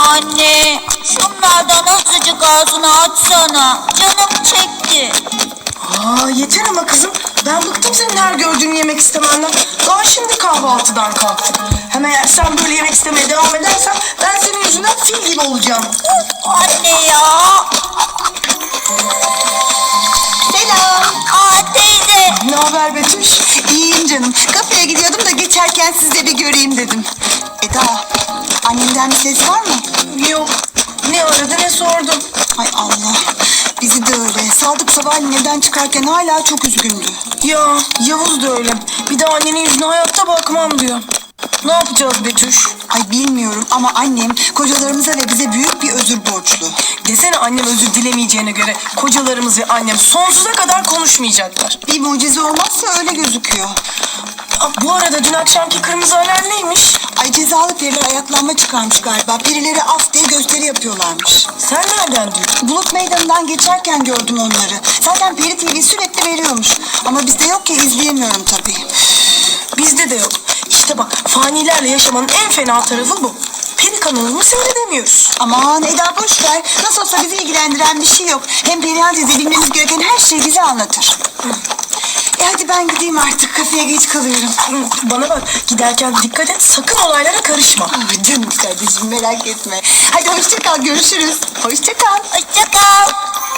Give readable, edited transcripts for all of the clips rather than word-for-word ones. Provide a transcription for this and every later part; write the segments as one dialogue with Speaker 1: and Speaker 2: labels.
Speaker 1: Anne, şunlardan azıcık ağzını açsana. Canım çekti.
Speaker 2: Yeter ama kızım. Ben bıktım senin her gördüğünü yemek istemenden. Daha şimdi kahvaltıdan kalktım. Hem eğer sen böyle yemek istemeye devam edersen ben senin yüzünden fil gibi olacağım.
Speaker 1: Anne ya. Selam. Teyze.
Speaker 2: Ne haber Betüş?
Speaker 3: İyiyim canım. Kafeye gidiyordum da geçerken sizi de bir göreyim dedim. Eda, annemden bir ses var mı?
Speaker 2: Yok. Ne aradı ne sordu.
Speaker 3: Hay Allah. Bizi de öyle. Sadık sabahleyin evden çıkarken hala çok üzgündü.
Speaker 2: Ya Yavuz da öyle. Bir de annenin yüzüne hayatta bakmam diyor. Ne yapacağız Betüş?
Speaker 3: Ay bilmiyorum ama annem kocalarımıza ve bize büyük bir özür borçlu.
Speaker 2: Desene annem özür dilemeyeceğine göre kocalarımız ve annem sonsuza kadar konuşmayacaklar.
Speaker 3: Bir mucize olmazsa öyle gözüküyor.
Speaker 2: Bu arada dün akşamki kırmızı alarm neymiş?
Speaker 3: Ay cezalı periler ayaklanma çıkarmış galiba. Birileri af diye gösteri yapıyorlarmış.
Speaker 2: Sen nereden duydun?
Speaker 3: Bulut meydanından geçerken gördüm onları. Zaten Peri TV sürekli veriyormuş. Ama bizde yok ki izleyemiyorum tabii.
Speaker 2: Bizde de yok. İşte bak fanilerle yaşamanın en fena tarafı bu. Peri kanalını seyredemiyoruz.
Speaker 3: Aman Eda boş ver. Nasıl olsa bizi ilgilendiren bir şey yok. Hem Perihan teyze bilmemiz gereken her şeyi bize anlatır. Hadi ben gideyim artık. Kafeye geç kalıyorum.
Speaker 2: Bana bak giderken dikkat et sakın olaylara karışma.
Speaker 3: Canım kardeşim merak etme. Hadi hoşça kal, görüşürüz. Hoşça kal.
Speaker 1: Hoşça kal.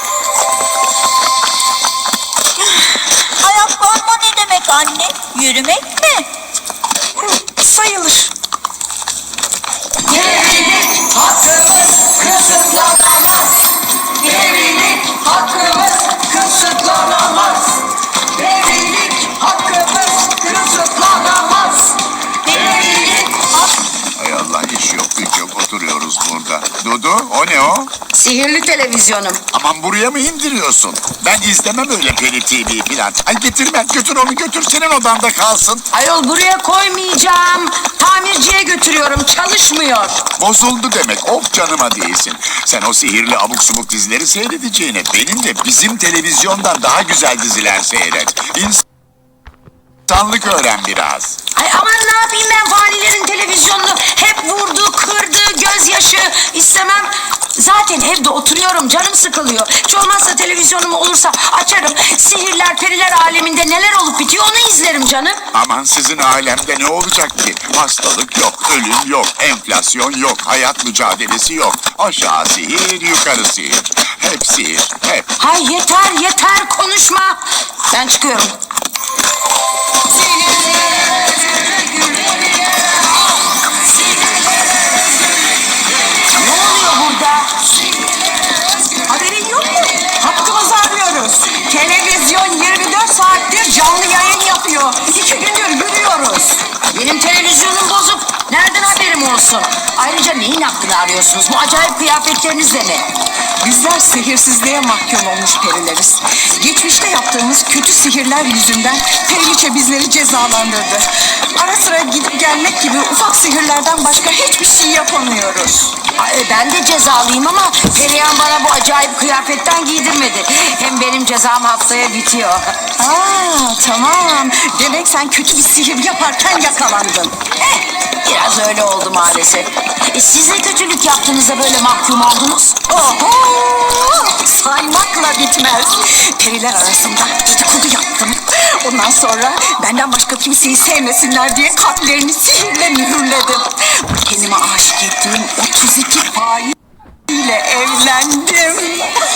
Speaker 1: Ayaklanma ne demek anne? Yürümek mi?
Speaker 2: Sayılır.
Speaker 4: Evlilik hakkımız kısıtlanamaz. Evlilik hakkımız kısıtlanamaz. Evlilik hakkımız kısıtlanamaz. Evlilik
Speaker 5: Hay Allah iş yok güç yok oturuyoruz burada. Dudu o ne o?
Speaker 4: Sihirli televizyonum.
Speaker 5: Aman buraya mı indiriyorsun? Ben izlemem öyle Peri TV falan. Ay getirme götür onu götür senin odanda kalsın.
Speaker 4: Ayol buraya koymayacağım. Tamirciye götürüyorum. Çalışmıyor.
Speaker 5: Bozuldu demek of canıma değilsin. Sen o sihirli abuk subuk dizileri seyredeceğine benim de bizim televizyondan daha güzel diziler seyret. İnsanlık öğren biraz.
Speaker 4: Ay aman ne yapayım ben fanilerin televizyonunu. Hep vurdu, kırdı, gözyaşı. İstemem. Zaten evde oturuyorum. Canım sıkılıyor. Hiç olmazsa televizyonum olursa açarım. Sihirler, periler aleminde neler olup bitiyor onu izlerim canım.
Speaker 5: Aman sizin alemde ne olacak ki? Hastalık yok, ölüm yok, enflasyon yok, hayat mücadelesi yok. Aşağı sihir, yukarı sihir. Hep sihir, hep.
Speaker 4: Hay yeter yeter konuşma. Ben çıkıyorum. Ne oluyor burada?
Speaker 3: Haberin yok mu? Hakkımızı arıyoruz. Televizyon 24 saattir canlı yayın yapıyor. 2 gündür görüyoruz.
Speaker 4: Benim televizyonum bozuk. Nereden haberim olsun? Ayrıca neyin hakkını arıyorsunuz? Bu acayip kıyafetlerinizle mi?
Speaker 3: Bizler sihirsizliğe mahkum olmuş perileriz. Geçmişte yaptığımız kötü sihirler yüzünden Periliçe bizleri cezalandırdı. Ara sıra gidip gelmek gibi ufak sihirlerden başka hiçbir şey yapamıyoruz.
Speaker 4: Ay, ben de cezalıyım ama Perihan bana bu acayip kıyafetten giydirmedi. Hem benim cezam haftaya bitiyor.
Speaker 3: Tamam. Demek sen kötü bir sihir yaparken yakalandın.
Speaker 4: Biraz öyle oldu maalesef. Siz ne kötülük yaptığınızda böyle mahkum oldunuz?
Speaker 3: Oho! Saymakla bitmez. Periler arasında dedikodu yaptım. Ondan sonra benden başka kimseyi sevmesinler diye kalplerini sihirle mühürledim. Kendime aşık ettiğim 32 hain ile evlendim.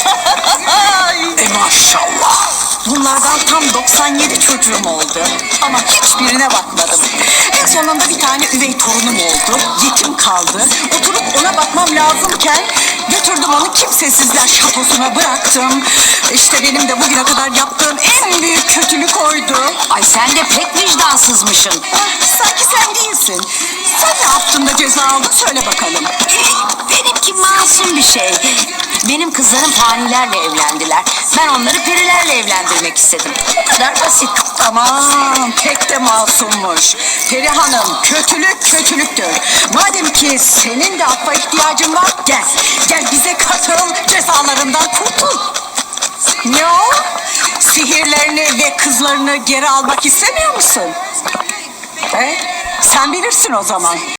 Speaker 3: Maşallah. Bunlardan tam 97 çocuğum oldu. Ama hiçbirine bakmadım. En sonunda bir tane üvey torunum oldu. Yetim kaldı. Oturup ona bakmam lazımken götürdüm onu kimsesizler şatosuna bıraktım. İşte benim de bugüne kadar yaptığım en büyük kötülük oydu.
Speaker 4: Ay sen de pek vicdansızmışsın.
Speaker 3: Sanki sen değilsin. Sen ne yaptın da ceza aldın söyle bakalım.
Speaker 4: Benimki masum bir şey. Benim kızlarım fanilerle evlendiler. Ben onları perilerle evlendirmek istedim. Bu kadar basit.
Speaker 3: Aman pek de masummuş. Peri Hanım kötülük kötülüktür. Madem ki senin de affa ihtiyacın var gel. Gel bize katıl cezalarından kurtul. Ne o? Sihirlerini ve kızlarını geri almak istemiyor musun? Sen bilirsin o zaman.